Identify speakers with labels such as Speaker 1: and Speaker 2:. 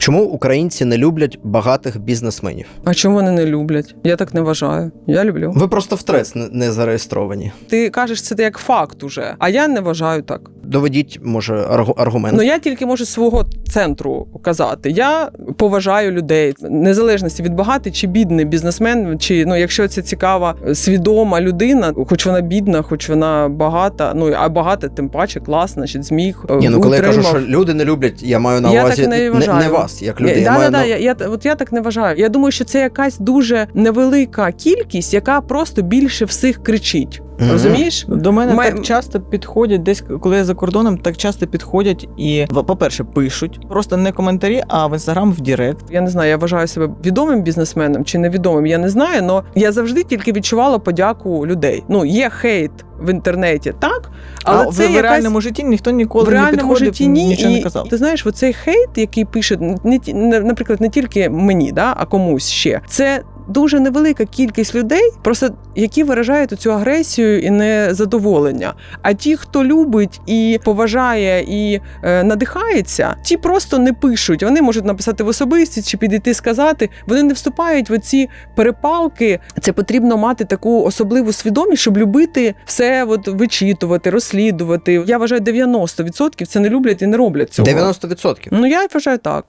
Speaker 1: Чому українці не люблять багатих бізнесменів?
Speaker 2: А чому вони не люблять? Я так не вважаю. Я люблю.
Speaker 1: Ви просто в ТРЕЦ не зареєстровані.
Speaker 2: Ти кажеш це як факт уже, а я не вважаю так.
Speaker 1: Доведіть, може, аргумент.
Speaker 2: Ну, я тільки можу з свого центру казати. Я поважаю людей, незалежності від багатий чи бідний бізнесмен, чи, якщо це цікава, свідома людина, хоч вона бідна, хоч вона багата, а багата, тим паче, класна, значить, зміг,
Speaker 1: коли я кажу, що люди не люблять, я маю на увазі не вас, як людей.
Speaker 2: Я так не вважаю. Я думаю, що це якась дуже невелика кількість, яка просто більше всіх кричить. Розумієш?
Speaker 3: До мене так часто підходять, десь, коли я за кордоном, так часто підходять і, по-перше, пишуть, просто не коментарі, а в Інстаграм, в Директ.
Speaker 2: Я не знаю, я вважаю себе відомим бізнесменом чи невідомим, я не знаю, але я завжди тільки відчувала подяку людей. Є хейт в інтернеті, так? Але це
Speaker 3: в реальному житті ніхто ніколи не підходив, нічого не казав.
Speaker 2: Ти знаєш, оцей хейт, який пише, наприклад, не тільки мені, а комусь ще, це дуже невелика кількість людей, просто які виражають цю агресію і незадоволення. А ті, хто любить і поважає, і надихається, ті просто не пишуть. Вони можуть написати в особисті чи підійти сказати. Вони не вступають в ці перепалки. Це потрібно мати таку особливу свідомість, щоб любити все вичитувати, розслідувати. Я вважаю, 90% це не люблять і не роблять цього.
Speaker 1: 90%?
Speaker 2: Я вважаю так.